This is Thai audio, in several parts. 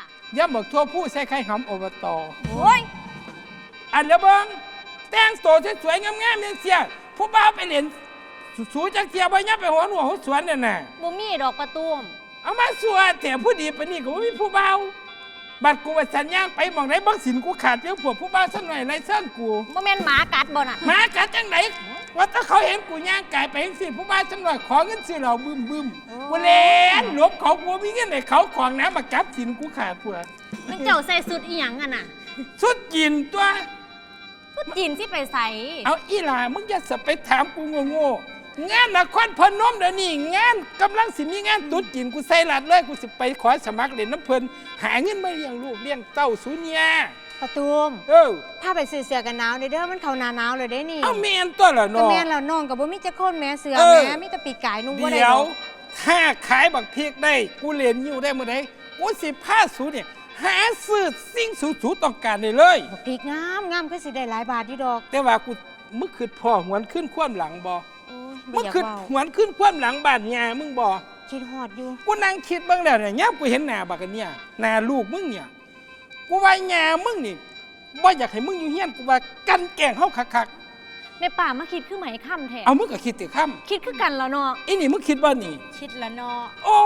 ย่ำบักทั่วผู้ใส่ไข่หำอบต. โอ้ยอันละเบิ้งแต่งตัวสวยๆงามๆเนี่ยเสียผู้บ่าวไปเล่นสูจักเทียบย่ำไปหัวหนวหัวสวนน่ะน่ะบ่มีดอกประตูมเอามาสัวแต่ผู้ดีปานนี้ก็บ่มีผู้บ่าวบัดกูว่าสัญญาณไปหม่องไหนบักสินกูขาดเพียงพวกผู้บ่าวสักหน่อยไรเส้นกูบ่แม่นหมากัดบ่น่ะหมากัดจังไหนว่าถ้าเขาเห็นกูย่างไก่ไปเห็นสิผู้บ่าวสักหน่อยขอเงินสิเราบึ้มกูเล่นหลบเขากูมีเงินให้เขาของน้ำมาจับสินกูขาดพวกมันเจ้าใส่สุดอีหยังอ่ะน่ะสุดกินตัวสุดจีนสิไปใส่เอาอีหล่ามึงจะสไปถามกูโง่ๆงานนครพนมเดี๋ยวนี้งานกำลังสิมีงานตุ๊ดจีนกูใส่หลัดเลยกูสิไปขอสมัครเล่นน้ำเพลินหาเงินมาเลี้ยงลูกเลี้ยงเต้าสูเนียประตูมถ้าไปซื้อเสื้อกันหนาวเด้อมันเข้าหน้าหนาวเลยเด้นี่เอาเมียนตัวเหรอก็เนาะแม่นแล้วน้องก็บ่มีจักคนแม่เสื้อแม่มีแต่ปีกไก่นุ่งบ่ได้เดี๋ยวดอกถ้าขายบักพริกได้กูเรียนอยู่ได้เมื่อไหร่กูสิพาสูเนี่ยหาซื้อสิ่งสูต้องการได้เลยบักพริกงามคือสิได้หลายบาทอยู่ดอกแต่ว่ากูมึงคืดพ่อหวนขึ้นคว่ำหลังบ่โอ้ยมึบ่งอยากคืดเว้าหวนขึ้นคว่ำหลังบ้านยามึงบ่คิดฮอดอยู่กูนั่งคิดบ้างแล้วเนี่ยย่กูเห็นหน้าบักกันเนี่ยหน้าลูกมึงเนี่ยกูว่าหญ้ามึงนี่บ่อยากให้มึงอยู่เฮียนกูว่ากันแกล้งเฮาคักแม่ป่ามาคิดคือไหมค่ำแท้ๆเอามึงก็คิดติค่ำคิดคือกันแล้วเนาะอีนี่มึงคิดว่านี่คิดละเนาะโอ้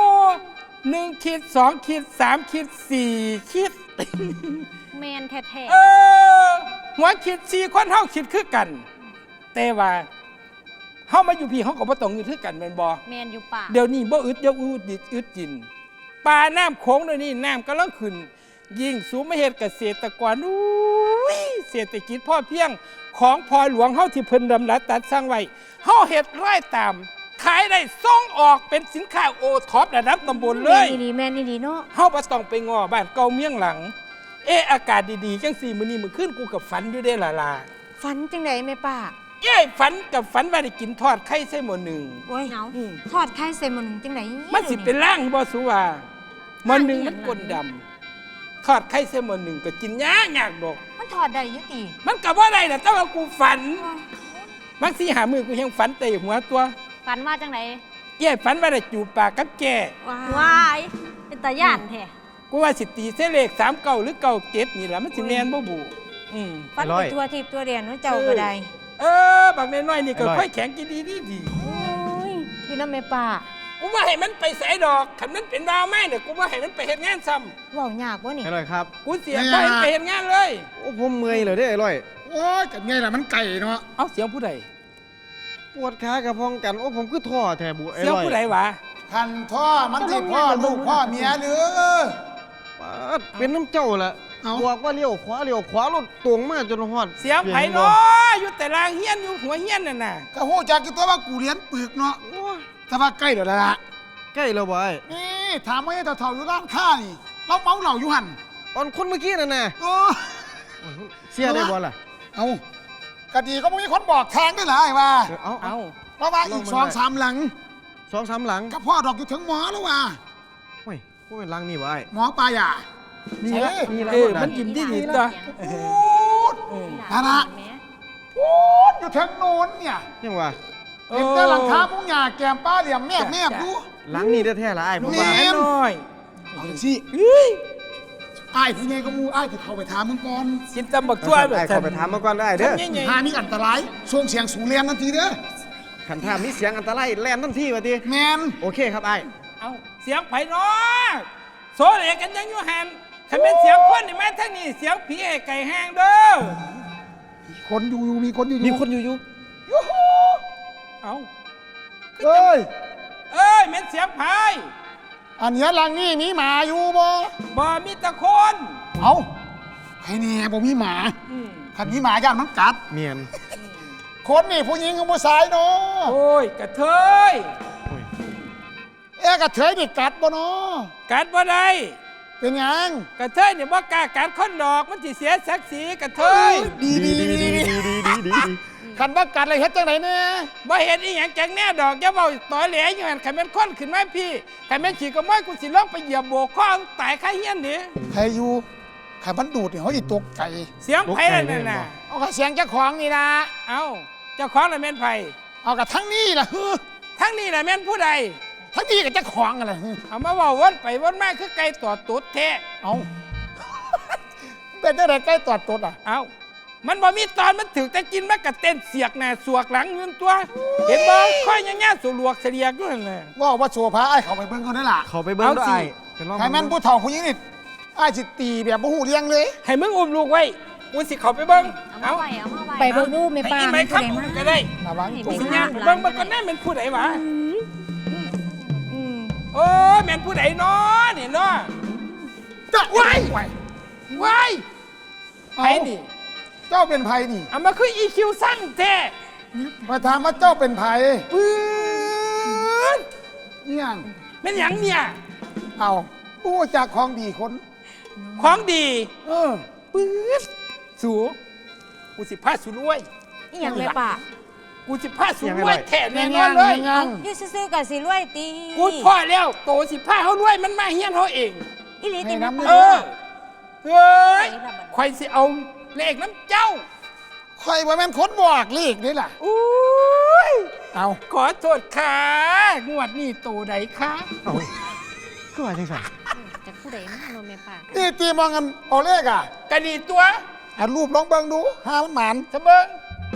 1 ขีด 2 ขีด 3 ขีด 4 ขีดแม่นแท้หัวขีด4คนเฮาคิดคือกัน แต่ว่าเฮามาอยู่พี่เฮาก็บ่ต้องอยู่คือกันแม่นบ่ๆแม่นอยู่ป่าเดี๋ยวนี้บ่อึดเดี๋ยวอึดกินปลาน้ำโขงเดี๋ยวนี้น้ำกำลังขึ้นยิ่งสูงไม่เฮ็ดเกษตรกรอุ้ยเศรษฐกิจพ่อเพียงของพอหลวงเฮาที่เพิ่นดำรัสตัดสร้างไว้เฮาเฮ็ดไร่ตามขายได้ส่งออกเป็นสินค้าโอท็อประดับตำบลเลยแม่นดีเนาะเฮาบ่ต้องไปง้อบ้านเก่าเมียงหลังอากาศดีๆจังซี่มื้อนี้มื้อคืนกูกับฝันอยู่เด้ล่ะฝันจังไดแม่ป้าเย้ยฝันกับฝันว่าได้กินทอดไข่ใส่หม้อหนึ่งโอ้ยเหงาทอดไข่ใส่หม้อหนึงจังไดมันสิเป็นร่างบ่สุว่าหม้อหนึ่งมันก้นดำทอดไข่ใส่หม้อหนึ่งก็กินยากดอกมันทอดได้อยู่ติมันก็บ่ได้น่ะแต่ว่ากูฝันบางทีหามือกูยังฝันแต่หัวตัวฝันว่าจังไดเย้ยฝันว่าได้จูบปากกับแก่ว้ายเป็นตาย่านแท้กูว่าสิตีเส้นเลข39หรือ97นี่ล่ะมันสิแม่นบ่บุฝันไปทั่วทิพย์ทั่วแดนเนาะเจ้าก็ได้บางน้อยๆนี่ก็ค่อยแข็งกินดีโอ้ยอยู่นำแม่ป้ากูว่าให้มันไปใส่ดอกคันมันเป็นดาวไม้เนี่ยกูว่าให้มันไปเฮ็ดงานซ้ำเว้ายากบ่นี่อร่อยครับกูเสียไปไปเฮ็ดงานเลยโอ้ผมเมื่อยเลยเด้ออร่อยโอ้ยกันไงล่ะมันไก่เนาะเอาเสียงผู้ใดปวดขากระพองกัน โอ้ผมคือท่อแทบุอเสียงร่อยผู้ใดวะพันพ่อมันสิพ่อลูกพ่อเมียหรือป๊าดเป็นน้ำเจ้าละเอาบอกว่าเลี้ยวขวารถตรงมาจนฮอดเสียงไผ่เนาเนาะอยู่แต่ลางเฮียนอยู่หัวเฮียนน่ะก็หูจักกี่ตัวว่ากูเรียนปึกเนาะแต่ว่าใกล้เดี๋ยวละใกล้แล้วบ่ไอ้นี่ถามว่าไอ้เถ่าๆอยู่ร้านค้านี่เราเมาเหล่าอยู่หันตอนคนเมื่อกี้นั่นน่ะเออเสียได้บ่ล่ะเอากะดีก็มีคนบอกทางด้วยเหรอไอ้ว่าเอาเอาเพราะว่าอีก 2-3 หลัง 2-3 หลังกับพ่อดอกอยู่ถึงหมอแล้วว่าโอ้ยพวกเป็นหลังนี่บ่ไอ้หมอปลาหยานี่ละนี่ละมันยิ้มดีตัวพูดนั่นนะพูดอยู่ถึงโน้นเนี่ยยังว่าเห็นแต่หลังคามุ้งหยาแกมป้าเหลี่ยมแนบดูหลังนี่แท้ๆละไอ้ผมว่าแม่น้อยเอาสิเฮ้ยไอ้ายที่ไงก็มูไอ้ายที่เข้าไปถามมึงก่อนกินตำบักทั่วไอ้ขอไปถามมาก่อนได้เด้อหานี่อันตรายส่งเสียงสูงเรียงทันทีเด้อขันถามมีเสียงอันตรายแล่นทันทีว่าติแมนโอเคครับไอ้เอาเสียงไผ่เนาะโซเลกันยังอยู่หันคันเป็นเสียงคนนี่แม่ท่านนี่เสียงผีไอ้ไก่แห้งเด้อคนอยู่มีคนอยู่มีคนอยู่ยูฮูเอาเอ้ยเอ้ยแม่นเสียงไผ่อันเนี้ยหลังนี่มีหมาอยู่บ่บ่มีแตะคนเอาไอ้เนี่ยบ่มีหมาถ้ามีหมาย่านมันกัดเมียนคนนี่ผู้หญิงกับผู้ชายเนาะโอ้ยกระเทยโอ้ยกระเทยนี่กัดบ่เนาะกัดบ่ได้เป็นหยังกระเทยเนี่ยบ่กล้ากัดคนดอกมันสิเสียศักดิ์ศรีกระเทยดีคันว่ากัดอะไรเฮ็ดจังไหนเนี่ยบ่เห็นอีหยังจังแน่ดอกอย่าเว้าต่อแหลอยู่หั่นคันแม่นคนขึ้นมาพี่คันแม่นขี่ก็ม้อยกูสิลงไปเหยียบโบกคอตายคาเฮียนดิใครอยู่ใครมันดูดเนี่ยเขาสิตกใจเสียงไผนั่นน่ะเอากระเสียงเจ้าของนี่นะเอ้าเจ้าของน่ะแม่นไผเอากระทั้งนี้ล่ะทั้งนี้น่ะแม่นผู้ใดทั้งนี้ก็จะของอะไรเอามาเว่าวนไปวนมาคือไก่ต่อตุ๊ดแท้เอา เป็นจังไดใกล้ตอดตดอ่ะเอามันบ่มีตอนมันถึงแต่กินมันกระเต้นเสียกหน้าสวกหลังเงินตัว เห็นบ่ค่อยย่างๆสลวกเสียกด้วยนั่นแหละว่าโชว์พระไอ้เขาไปเบิ่งเขาได้ล่ะเขาไปเบิ้งด้วยเอาสิไอ้ไปลองใครแม่นผู้เฒ่าผู้หญิงนี่ไอ้สิตีแบบบ่หูเลี้ยงเลยให้มึงอุ้มลูกไว้กูสิเขาไปเบิ่งเอามาไว้เอามาไว้ไปเบิ่งดูแม่ให้ป้าอีไหมมันครับผู้ใดอุ้มมาก็ได้ระวังให้ตัวไปสิย่ย่างไปเบิ่งมันก็แน่เป็นผู้ใดวะโอ้ยแม่นผู้ใดเนาะนี่เนาะจะว้ายไว้ว้ายไผนี่เจ้าเป็นไผนี่เอามาคือ EQ สั่งแท้มาถามว่าเจ้าเป็นไผปื๊ดเนี่ยงแม่นหยังเนี่ยเอาโอ้จากของดีคนของดีเออปื๊ดสูกูสิพาสูรวยอีหยังแม่ป้ากูสิพาสูรวยแท้แน่นอนเลยยังอยู่ซื่อๆก็สิรวยติกูพ่อแล้วโตสิพาเขารวยมันมาเฮียนเขาเองอีหลีติแม่เอป้าอเฮ้ยคอยสิเอาเลขน้ำเจ้าข่อยว่าแม่นคนบอกเลขนี่ล่ะอุ้ยเอาขอโทษค่ะงวดนี้โตใดคะเอาก็ว่าจังสันจะผู้ใดมาโนแม่ป้านี่ตีมองกันเอาเลขอ่ะกระดีตัวอ่ะรูปลองเบิ่งดูหามันหมานสะเบิง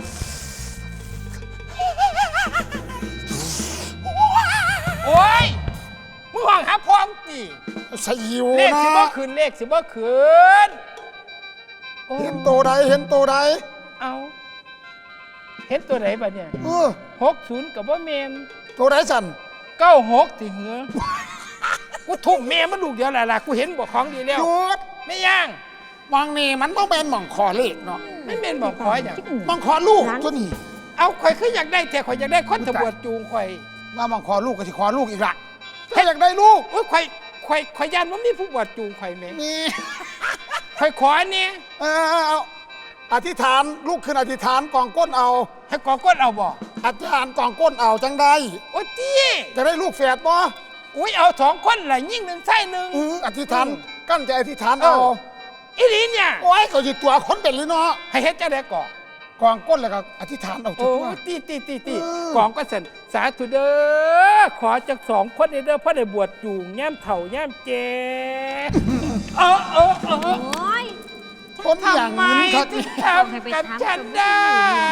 โอ้ยมึงห่องหาพร้อมจีสยิวเลขนะสิบ่คืนเลขสิบ่คืนโอ้เห็นโตใดเห็นโตใดเอาเห็นตัวไหนบ้าเนี่ยเออ 60กับว่าเมนโตใดสั่น 96ที่เหงือกูทุ่มเมมันลูกเดียวแหละล่ะกูเห็นบอกของดีแล้วหยุดไม่ย่างมองนี่มันต้องเป็นหม่องขอเลขเนาะไม่เมนบอกขออย่างหม่องขอลูกตัวนี้เอาข่อยคืออยากได้แต่ข่อยอยากได้คนตำรวจจูงข่อยว่าหม่องขอลูกก็สิขอลูกอีกละถ้าอยากได้ลูกโอ้ยข่อยยันว่ามีผู้บวชจูงข่อยไหมมีข่อยขอเนี่ยเอาอธิษฐานลูกขึ้นอธิษฐานกองก้นเอาให้กอก้นเอาบ่อธิษฐานกองก้นเอาจังได้โอ้ยจี้จะได้ลูกแฝดบ่อุ้ยเอา2คนแหละยิ่งหนึ่งใช่หนึ่งอธิษฐานกั้นใจอธิษฐานเอาอีหลีเนี่ยโอ้ยเขาจิตตัวคนเป็นเลยเนาะให้เฮ็ดจังได๋ก่อนกองก้นแล้วก็อธิษฐานเอาโอ้ตัวตีกองก็สั่นสาธุเด้อขอจาก2คนนี้เด้อเพราะได้บวชจูงย่ำเฒ่าย่ำแก่เออโอ้ยคนอย่างทำไมนี้ครับถึงทำกับฉันได้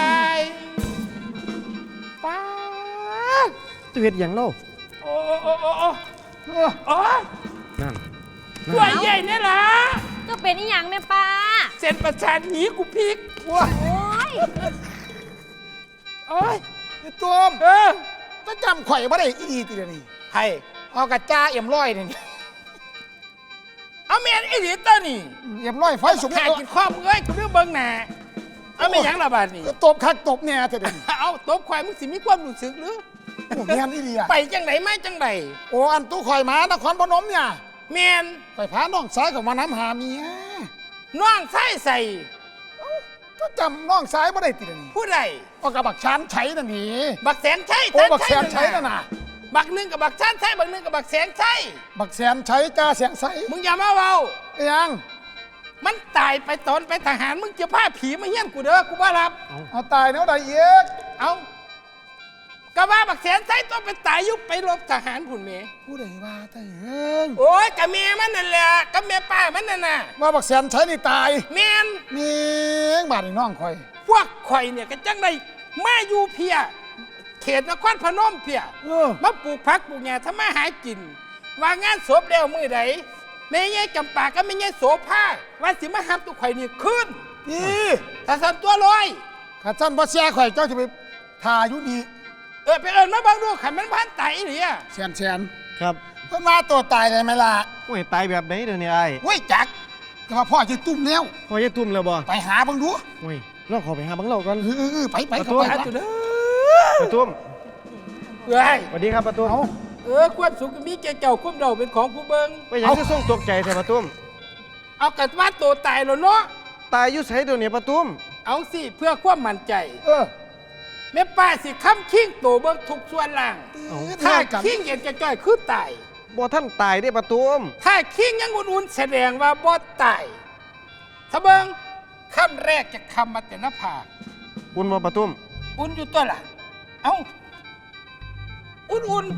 ป้าดตัวเฮ็ดหยังเล่าโอ้โอ้นั่นตัวใหญ่เนี่ยล่ะก็เป็นอีหยังแม่ป้าเส้นประสาทหนีกูพลิกว้าโอ้ยโอ้ยตัวมเออจะจำข่อยบ่ได้อีดีทีเดียวนี่ให้เอากระจ้าเอ็มร้อยนี่เอาเมียนไอ้หลีตัวนี่เอ็มร้อยไฟสุกขากินข้อมึงเอ้ยกูเรื่องเบิ่งหน้าเอาไม่ยั้งละบาดนี่ตบคักตบเนี่ยเถอะเดี๋ยวนี้เอาตบควายมึงสิมีความรู้สึกหรือโอ้แม่นอีดีอ่ะไปจังไหนมาจังไหนโอ้อันตู้ข่อยมานครพนมเนี่ยเมียนไปพาน้องสายกับมาน้ำหาเมียน้องใส่ใส่ก็จำน้องสายบ่ได้ติดนี่ผู้ใดเอากับบักชานใช้นั่นนี่บักแสนใช่โอ้บักแสนใช้นั่นน่ะบักหนึ่งกับบักชันใช่บักหนึ่งกับบักแสนใช่บักแสนใช้จ้าเสียงใสมึงอย่ามาเว้ายังมันตายไปตอนไปทหารมึงจะพาผีมาเฮี้ยนกูเด้อกูบ่รับเอาตายแนวใดเอกเอากะว่าบักแสนใส่ต้องไปตายยุบไปรบทหารผุนเมผู้ใดว่าตายเองโอ้ยกะเมียมันนั่นแหละกะเมียป้ามันนั่นน่ะว่าบักแสนใช้นี่ตายเมียนมีบาดนี่น้องข่อยพวกข่อยเนี่ยก็จังได้มาอยู่เพีย เขตนครพนมเพีย มาปลูกผักปลูกหญ้าทำมาหากิน ว่างานศพแล้วมือใดแม่ยายจำปาก็ไม่ยายโสภาว่าสิมาหับตุกข่อยนี่ขึ้นพี่ถ้าสั่นตัวลอยข้าท่านบ่เสียข่อยเจ้าจะไปทาอยู่นี่ไปเอิญมาบังดูขันมันพันไตหรือแสนครับเพิ่นมาตัวตายได้ไหมล่ะโอ้ยตายแบบไหนเดี๋ยวนี้ไอ้เว้ยจักแต่ว่าพ่อจะตุ้มแล้วพอจะตุ่มแล้วบ่ไปหาเบังดูโอ้ยลองขอไปหาบังเราก่อนไปประตูเข้าไปหาจุดเด้ประตุ้มเอ้ยสวัสดีครับประตุ้มความสุขก็มีแก่เจ้าคุ้มเราเป็นของผู้เบิงไปหยังคือส่งตกใจแต่ประตุ้มเอากัดว่าตัวตายแล้วเนาะตายอยู่ไสเดี๋ยวนี้ประตุ้มเอาสิเพื่อความมั่นใจเออแม่ป้าสิค้ำคิงตัวเบิงทุกส่วนล่างเอาถ้าคิงเย็นจะจ้อยคือตายบ่ท่านตายได้ประตุ้มถ้าคิงยังอุ่นๆแสดงว่าบ่ตายถ้าเบิงคำแรกจะคำมาแต่หน้าผากคุณบ่ประตุ้มอุ่นอยู่ตัวล่ะ เอ้า อุ่น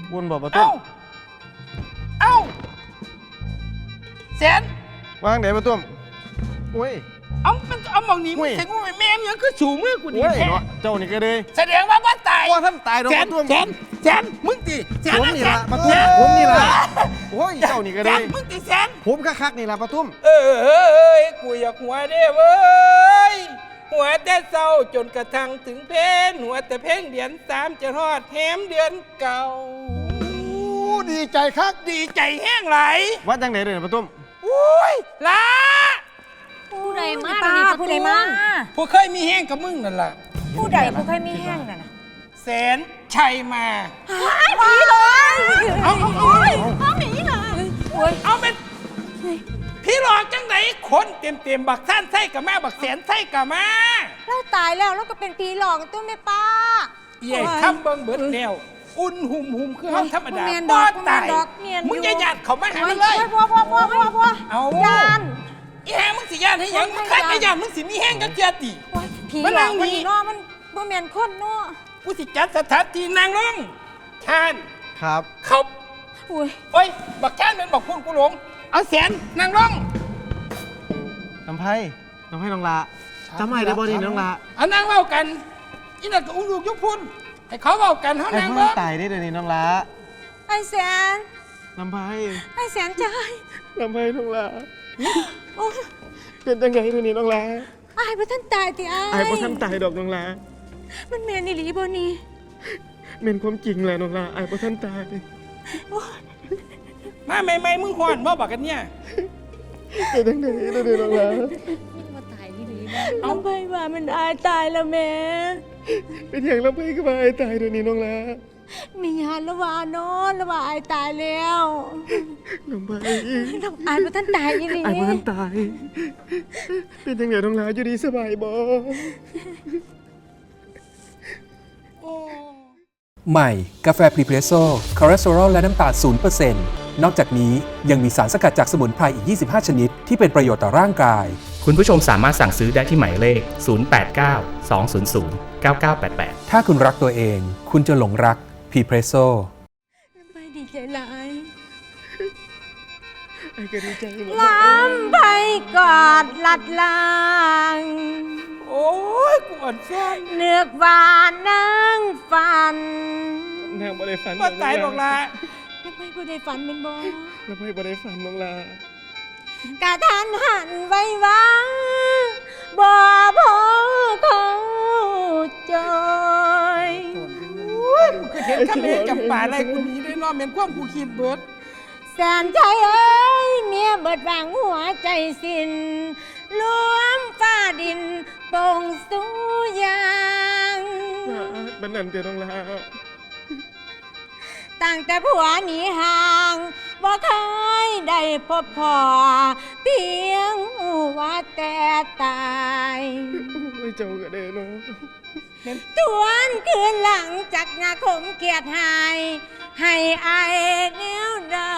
วนบอกประตุ้มเอ้าแสนวางไหนประตุ้มโอ้ยเอาหมองนี้มึงใส่กูแม่มยังคือสูงเลยกูดีโอ้ยแท้เนาะเจ้านี่ก็เลยแสดงว่าบ่ตายว่าท่านตายดอกแสปนระตุ้มแสนมึงตีแสนผมนี่ละประตุ้แสมนผมนี่ละโอ้ยเจ้านี่ก็แสเลนยมึงตีแสนผมคักๆนี่ละประตุ้มเยกูอยากหัวเด้เว้ยหัวแต่เศร้าจนกระทั่งถึงเพนหัวแต่เพ่งเดือน3จะทอดแฮมเดือนเก่าอู้ดีใจคักดีใจแห้งไหลว่าจังไหนเลยประตุ้มอุ้ยละผู้ใดมาป้าเดี๋ยวนี้ผู้ใดมาผู้เคยมีแห้งกับมึงนั่นล่ะผู้ใดผู้เคยมีแห้งน่ะนะแสนชัยมาผีเลยเอาเอาหนีเลยโอ้ยเอาเป็นพี่หลอกจังไหนคนเต็มบักท่านไส้กับแม่บักแสนไส้กับมาเราตายแล้วก็เป็นผีหลอกตัวแม่ป้าเย่คำเบิ่งเบิดแนวอุ่นหุ่มคือห้องธรรมดาบ่แม่นดบ่อกตายบ่แม่นดอกเมียนอยู่มึงอย่าหยาดเขามาหามันเลยพ่อเอายานอีแหงมึงสิญาติให้หยังมึงคัดให้ญาติมึงสิมีแห้งกับเจียติโอ้ยผีมันหลนั่อกงมันนี่นี่เนาะมันบ่แม่นคนเนาะกูสิจัดสถานที่นางลงชานครับเขาโอ้ยโอ้ยบักชานเป็นบักพุ่นกูหลงเอาแสนนางลงน้ำไผ่น้องละจำไม่ได้บ่นี่น้องละเอานางเว้ากันอีนั่นก็อุ้งลูกยุบพุ่นให้เขาเว้ากันเฮาไอ้นางเพื่อเบิ่นงตายได้เดี๋ยวนี้น้องละไอ้แสนน้ำไผ่ไอ้แสนใจน้ำไผ่น้องละโอ้ยเป็นจังไงเดี๋ยวนี้น้องละอายบ่ทันตายติอ้ายไอ้พ่อท่านตายดอกน้องละมันแม่นอีหลีบ่นี่เม่นความจริงแหละน้องละไอ้พ่อท่านตายมาใหม่ๆมึงฮ้อนบ่บักกันเนี่ยเป็นจังไงเดี๋ยวนี้น้องละมาตายที่นี่นะเอาไปว่ามันอายตายแล้วแม่เป็นอย่างน้ำไผ่ก็มาไอ้ตายเดี๋ยวนี้น้องละมีญาติละว่านอนละว่าอายตายแล้วน้ำไผ่อายบ่ทันตายอีหลีไอ้พ่อท่านตาย เป็นจังไงน้องละอยู่ดีสบายบ่ใหม่ กาแฟพรีเพรสโซ่คอเลสเตอรอลและน้ำตาล0%นอกจากนี้ยังมีสารสกัดจากสมุนไพรอีก 25 ชนิด ที่เป็นประโยชน์ต่อร่างกายคุณผู้ชมสามารถสั่งซื้อได้ที่หมายเลข 089 200 9988 ถ้าคุณรักตัวเอง คุณจะหลงรักพรีเพรสโซ่ไปดีใจหลายไอ้ก็ดีใจหมดล้ำไปกอดลัดลางโอ้ยกูอ่อนซ้อนเนือกหวานนั่งฝันนางบ่ได้ฝันบ่ตายดอกละยังไม่บ่ได้ฝันเป็นบ่น้ำไผ่บ่ได้ฝันน้องละกะทันหันไว้ว่าบ่พอเขาจอยคือเห็นคำเห็นกับป่าอะไรกูหนีได้เนอนเป็นความกูคิดเบิดแสนใจเอ้ยเมียเบิดวางหัวใจสิ้นรวมฟ้าดินโป่งสู้ยางบันนันเตียน้องละตั้งแต่ผัวหนีห่างบ่เคยได้พบพ่อเพียงว่าแต่ตายโอ้ยเจ้าก็ได้เนาะทวนคืนหลังจากนาคมเกียรติหาย ให้อายแนวใด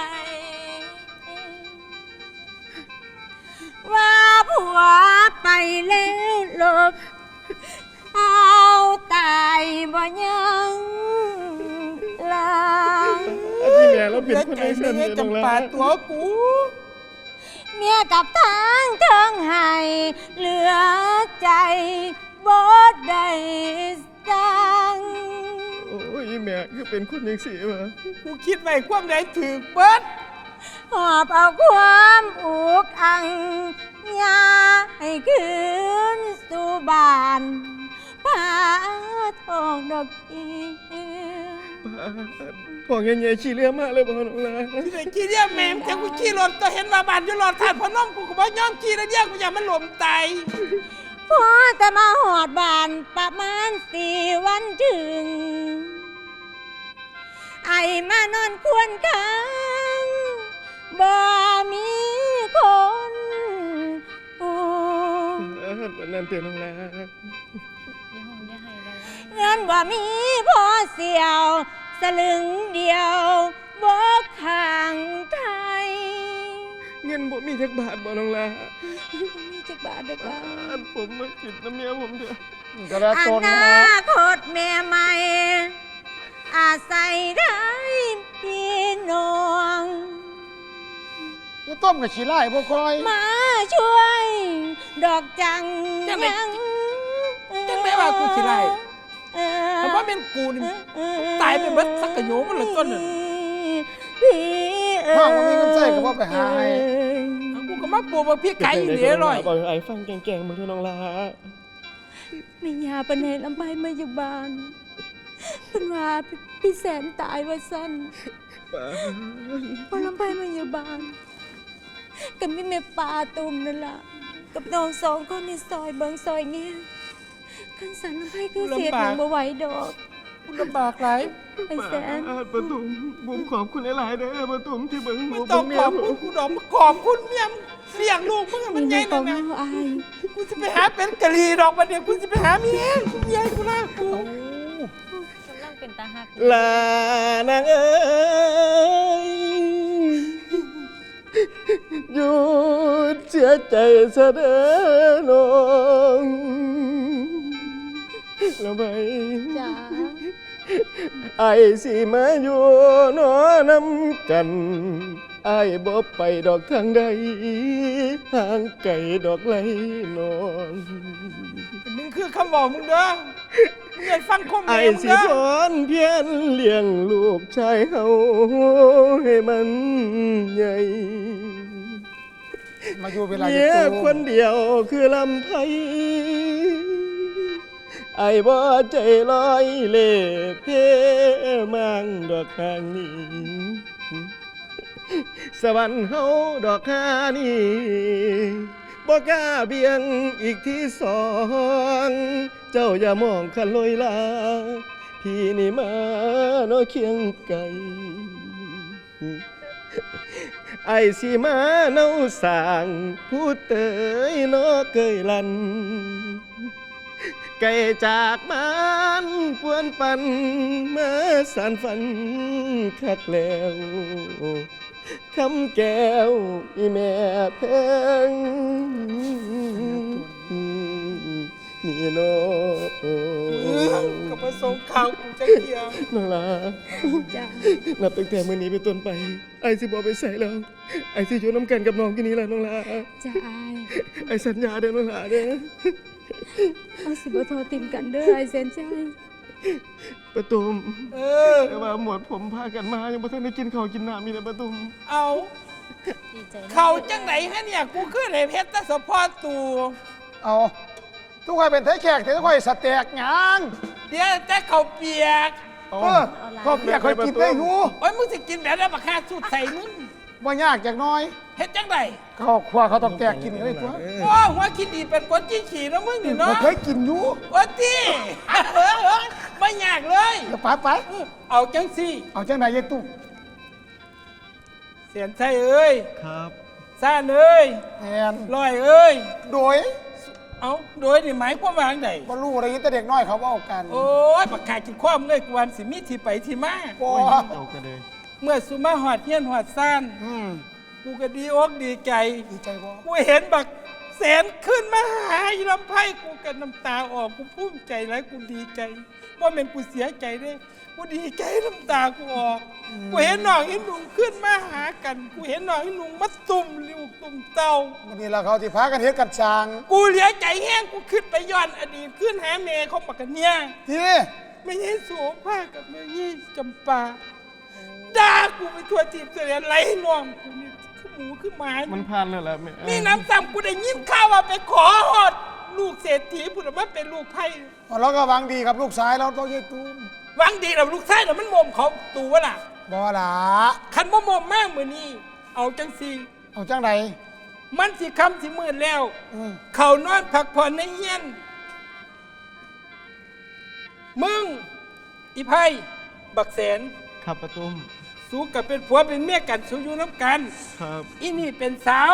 ว่าผัวไปแล้วลบเอาตายบ่ยังลางอันนี้แม่เราเป็นเสียคนใจไอ้ไม่สันได้เตียน้องจำละป่าตัวกูเมียกับทางเทิงให้เหลือใจบ่ได้สั่งโอ้ยแม่คือเป็นคนยังสีวะกูคิดไว้ความใดถือเบิดหอบเอาความอุกอังยาให้คืนสู่บ้านพาทองดอกอีบอกยังไงขี่เรือมาเลยบอกน้องละที่ไหนขี่เรียกแม่มแต่กูขี่รถตัวเห็นมาบานอยู่รถทานพนมกูก็บ่ยอมขี่แล้วเรียกกูอย่ามันหลมตายพอแต่มาหอดบ้านประมาณ4 วันถึง ไอมานอนควรค้างบ่มีคนอู้วันนั้นเตียน้องละอย่าห้องอย่าให้เลยเงินบ่มีพอเสียวสลึงเดียวบ่ข้างไทยเงินบ่มีจักบาทบ่น้องละบ่มีจักบาทเด้อค่ะผมมากินน้ำเมียผมเถอะอนาคตแม่ใหม่ อาศัยได้น้องจะต้มกับขี้ไล่บ่คอยมาช่วยดอกจังจังได้ว่ากูขี้ไล่ถ้าว่าเป็นกูนี่ตายไปเบิดสักกะโยมันเลยต้นน่ะพี่พ่อบ่มีเงินใช้ก็บ่ไปหาให้เอากูก็มาปลูกมาพี่ไก่อยู่เดี๋ยวอร่อยบอกไอ้ฟังแกงๆมึงเถอะน้องลาแม่ยาปานให้ลำไปมาอยู่บ้านเพิ่นว่าพี่แสนตายว่าซั่นพอลำไปมาอยู่บ้านก็มีแม่ปลาตุ่มนั่นล่ะกับน้องสองคนในซอยเบิงซอยเงี้ยคันสันลำไปคือเสียหนังบ่ไหวดอกกูลำบากหลายไอ้แสนประตุมบุมขอบคุณหลายๆเด้อประตุมที่เบิ่งหไม่มูต้องเบิ่งเมีขยอบคุณกูดอกมาขอบคุณเมียมเลี้ยงลูกมึงให้มันใหญ่ขนั่อน งนะน้องอายกูจะไปหาเป็นกะลีดอกมาเดี๋ยวกูจะไปหาเมียกูใหญ่กูลากูกำลังเป็นตาหักลานางเอ้ยหยุดเสียใจซะเด้อน้องแล้วไปจ้าไอ้สิมาอยู่นอนำกันไอ้บ่ไปดอกทางใดห่างไกลดอกไหลนอนมึงคือคำบอกมึงเด้อมึงอย่าฟังคมไอ้เองมึงสิเด้อพรเพียรเลี้ยงลูกชายเฮาให้มันใหญ่มาอยู่เวลาเมีจะยตูคนเดียวคือลำไพไอ้บ่ใจลอยเล่เพมังดอกทางนี้สวรรค์เฮาดอกหานี่บ่กล้าเบียงอีกที่สองเจ้าอย่ามองคันลอยลาพี่นี่มาเนาะเคียงไกลไอ้สิมาเนาสร้างผู้เตยเนาะเกยลันไกลจากมันปวนปันมาสานฝันคักแล้วคำแก้วอีแม่แพงนี่เนาะกับประสงค์ข่าวกูจะเกียงน้องลาจ้านับตั้งแต่มื้อนี้เป็นต้นไป ไอ้สิบ่ไปใส่แล้ว ไอ้สิอยู่น้ำกันกับน้องที่นี่แหละน้องลาจ้าอายไอ้สัญญาเด้อน้องลาเด้อเอาสิบ่โทรติมกันเด้อไอ้แสนใจประตุมเออแต่ว่าหมวดผมพากันมายังบ่ทันได้กินข้าวกินน้ำมีแต่ประตุมเอาดีใจนะเขาจังไหนฮะเนี่ยกูขึ้นไอ้เพชรตะสะพอตูเอาทุกคนเป็นไทยแขกแต่ทุกคนสแต็กหยังเดี๋ยวแต่เขาเปียกเออข้าวเปียกคอยกินได้อยู่โอ้ยมึงสิกินแบบนั้นบักฮาสูตรใส่มึงบ่ยากจากน้อยเฮ็ดจังไดข้าวครัวเขาต้องแตกกินกันเลยตัวโอ้หัวคิดดีเป็นคนจี้ขี่นะมึงนี่บ่เนาะเคยกินอยู่โอ้ตีไม่ยากเลยเดี๋ยวไปเอาจังสิเอาจังไหนยายตุ้มเสียนไทยเอ้ยครับซ่านเอ้ยแมนลอยเอ้ยโดยเอาโดยนี่หมายความว่าจังไดบ่รู้อะไรแต่เด็กน้อยเขาเว้ากันโอ้ยปากกากินข้อมเลยกวนสิมีที่ไปที่มาบ่เอากันเลยเมื่อสุมาหอดเฮียนหอดซ่าน กูก็ดีอกดีใจดีใจบ่กูเห็นบักแสนขึ้นมาหาอีลำไพ่กูกันน้ำตาออกกูภูมิใจแล้วกูดีใจว่าเป็นกูเสียใจเด้กูดีใจน้ำตากูออกกูเห็นน้องเห็นลุงขึ้นมาหากัน กูเห็นน้องเห็นลุงมาตุ่มลูกตุ่มเต้าวันนี้ล่ะเขาที่พากันเฮ็ดกันจางกูเหลียใจแห้งกูขึ้นไปย้อนอดีตขึ้นหาเมย์ของบักกันเนี่ยที่ไม่ใช่โสภากับแม่ยี่จำปาด่ากูไปทั่วทีเสียไรน้องกูนี่คือหมูคือหมามันผ่านแล้วล่ะแม่มีน้ำซ้ำกูได้ยินข่าวว่าไปขอหอด ลูกเศรษฐีผู้นั้นมาเป็นลูกไพ่เราก็หวังดีกับลูกชายเราต้องยายตุ้มหวังดีแล้วลูกชายแล้วมันโมมเขาตัวล่ะบ่ล่ะคันบ่โมมมากมือนี้เอาจังสีเอาจังใดมันสิคำสิมืดแล้วอืมเขานอนพักผ่อนในเฮียน มึง อีไพ่บักแสนครับประตุมสู้กับเป็นผัวเป็นเมียกันสู้อยู่น้ำกันครับอีนี่เป็นสาว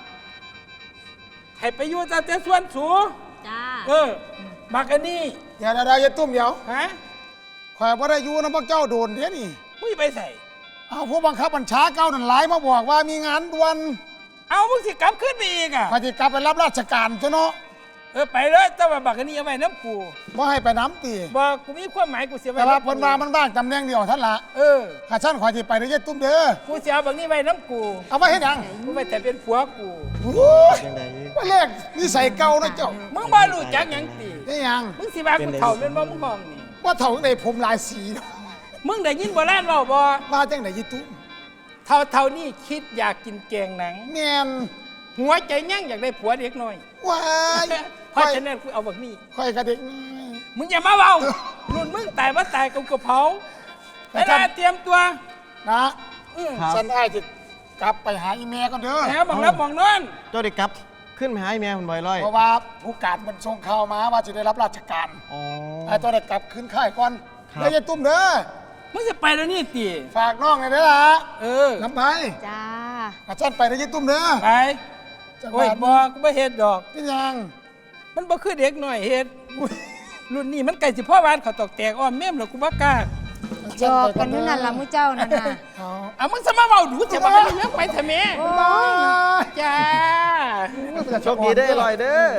ให้ไปอยู่แต่ส่วนสูงจ้าบักอันนี้เดี๋ยวยายตุ้มเดี๋ยวฮะข่อยบ่ได้อยู่นะพวกเจ้าโดนเด้นี่มึงไปใส่เอาผู้บังคับบัญชาเก่านั่นหลายมาบอกว่ามีงานด่วนเอามึงสิกลับขึ้นไปอีกอ่ะข้อยสิกลับไปรับราชการซะเนาะไปเลยแต่ว่าบักอันนี้เอาไว้น้ำกูบ่ให้ไปน้ำตีบอกกูมีความหมายกูเสียไว้แต่ว่าำเพิ่นว่ามันว่างตำแหน่งเดียวท่านละ ข้าชั้นขอที่ไปได้ยัดตุ้มเด้อกูเสียบักนี้ไว้น้ำกูเอาไว้ให้ยังกูไว้แต่เป็นผัวกูโอ้ยว่าเลขนิสัยเก่านะเจ้ามึงบ่รู้จักหยังตีได้ยังมึงสิว่ากูเฒ่าเป็นบ่มึงห้องนี่ว่าเถ่าในผมหลายสีเนาะมึงได้ยินโบราณเว้าบ่มาจังไหนยัดตุ้มเฒ่านี่คิดอยากกินแกงหนังแมนหัวใจยั่งอยากได้ผัวเด็กน้อยว้ายเพราะฉะนั้นกูเอาบักนี้ค่อยกระเด็กน้อยมึงอย่ามาเว้ารุ่นมึงตายบ่ตายกูก็เผาเวลาเตรียมตัวนะอื้อฉันได้จะกลับไปหาอีแม่ก่อนเด้อแหมบังรับบังนอนเจ้าได้กลับขึ้นไปหาไอ้แม่คุณบอยร้อยเพราะว่าผู้การมันส่งข่าวมาว่าจะได้รับราชการอ๋อไอ้ตัวได้กลับขึ้นค่ายก่อนครับแล้วยัดตุ้มเด้อมึงจะไปแล้วนี่ตีฝากน้องหน่อยเด้อล่ะ น้ำไปจ้าข้าชั้นไปได้ยัดตุ้มเด้อไปจังหโอ้วัยดบอกกูไม่เฮ็ดดอกเป็นยังมันบ่คือเด็กหน่อยเฮ็ดรุ่นนี้มันไก่สิพ่อวานเขาตอกแตกอ้อมแม่มแล้วกูบ่กล้าจอกกันอยู่นั่นล่ะมื้อเจ้านั่นน่ะเอาเอามึงจะมาเว้าดูจะมาให้ยังไปทำไมโอ้บายจ้าโชคดีเด้อร้อยเด้อ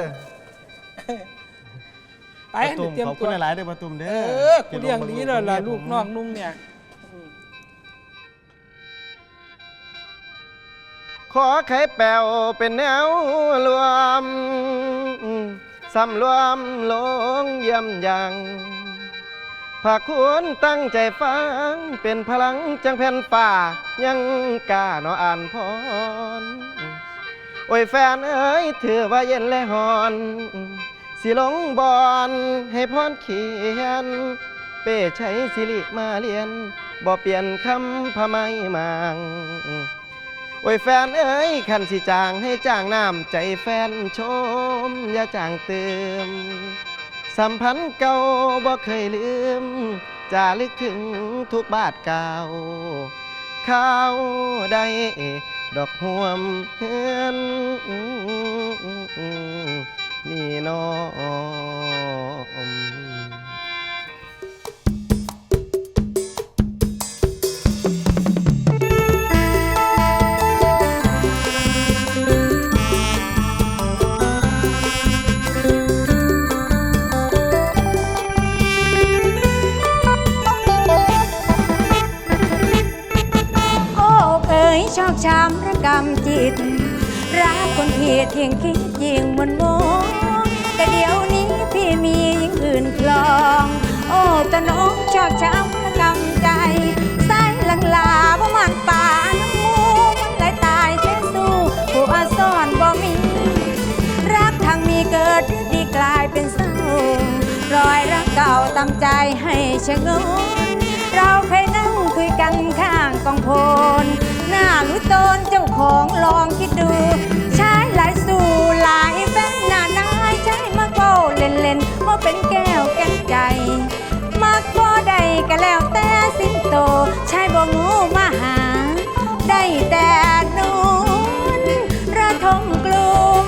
ไปประตุมเตรียมขอบตัคุวณหลายๆเด้อประตุมเด้เอออกูเลี้ยงดีแล้วล่ะลูกน้องนุ่งเนี่ยขอไข่แปวเป็นแนวรวมสำรวมลงเยี่ยมยังภาคควรตั้งใจฟังเป็นพลังจังแผ่นป่ายังกล้าเนาะอ่านพร โอ้ยแฟนเอ้ยถือว่าเย็นและหอน สิลงบอนให้พรเขียน เป้ใช้สิริมาเรียนบ่เปลี่ยนคำพะไม่มัง โอ้ยแฟนเอ้ยขันสิจางให้จ้างน้ำใจแฟนชม อย่าจางเติม สัมพันธ์เก่าบ่เคยลืมจะลึกถึงทุกบาทเก่าข้าวได้ดอกห่วมเฮือนนี่น้อมโอ้เอ๋ยชอกช้ำระกำจิต รักคนผิดเที่ยงคิดยิ่งมันโมแต่เดี๋ยวนี้พี่มียิ่งอื่นคลอง โอ้ตะน้องชอกช้ำระกำใจสายหลังลาบ่มันป่าน้ำมูมันไหลตายเทสู้ผู้อาซ่อนบ่มี รักทางมีเกิดดีกลายเป็นเศร้ารอยรักเก่าตามใจให้ชะงนเราเคยนั่งคุยกันข้างกองโพนหน้ารู้ตนเจ้าของลองคิดดูชายหลายสู่หลายแฟนหน้านายใช้มาโก้เล่นๆว่าเป็นแก้วแก้ใจ มักบ่ได้ก็แล้วแต่สิ้นโตชายบ่งูมาหา ได้แต่นูนระทมกลุ่ม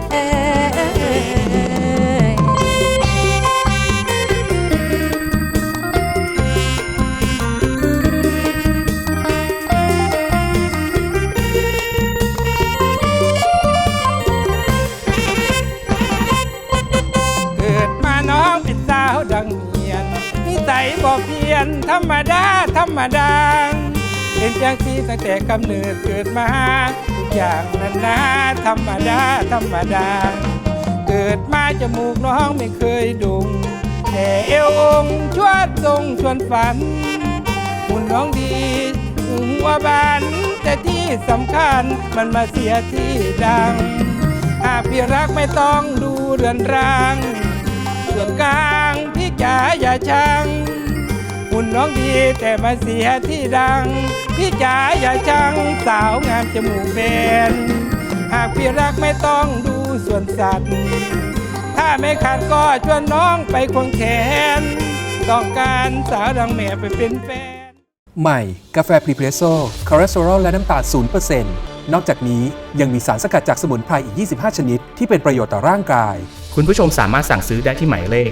เกิดมาน้องเป็นสาวดังเมียนนิสัยบ่เพียนธรรมดาธรรมดาเป็นจังสีตั้งแต่กำเนิดเกิดมาทุกอย่างนั้นนะธรรมดาธรรมดา เกิดมาจมูกน้องไม่เคยดุงแต่เอวองค์ชวดทรงชวนฝันหุ่นน้องดีหัวบานแต่ที่สำคัญมันมาเสียที่ดังหากพี่รักไม่ต้องดูเรือนร่างส่วนกลางพี่จ๋าอย่าชังหุ่นน้องดีแต่มาเสียที่ดังพี่จ๋าอย่าชังสาวงามจมูกแบนหากพี่รักไม่ต้องดูส่วนสัตว์ถ้าไม่ขาดก็ชวนน้องไปควงแขนต้องการสาวดังแม่ไปเป็นแฟนใหม่ กาแฟพรีเพรสโซ่คอเลสเตอรอลและน้ำตาล 0% นอกจากนี้ยังมีสารสกัดจากสมุนไพรอีก 25 ชนิด ที่เป็นประโยชน์ต่อร่างกายคุณผู้ชมสามารถสั่งซื้อได้ที่หมายเลข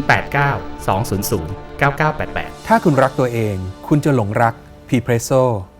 089 200 9988 ถ้าคุณรักตัวเอง คุณจะหลงรักพรีเพรสโซ่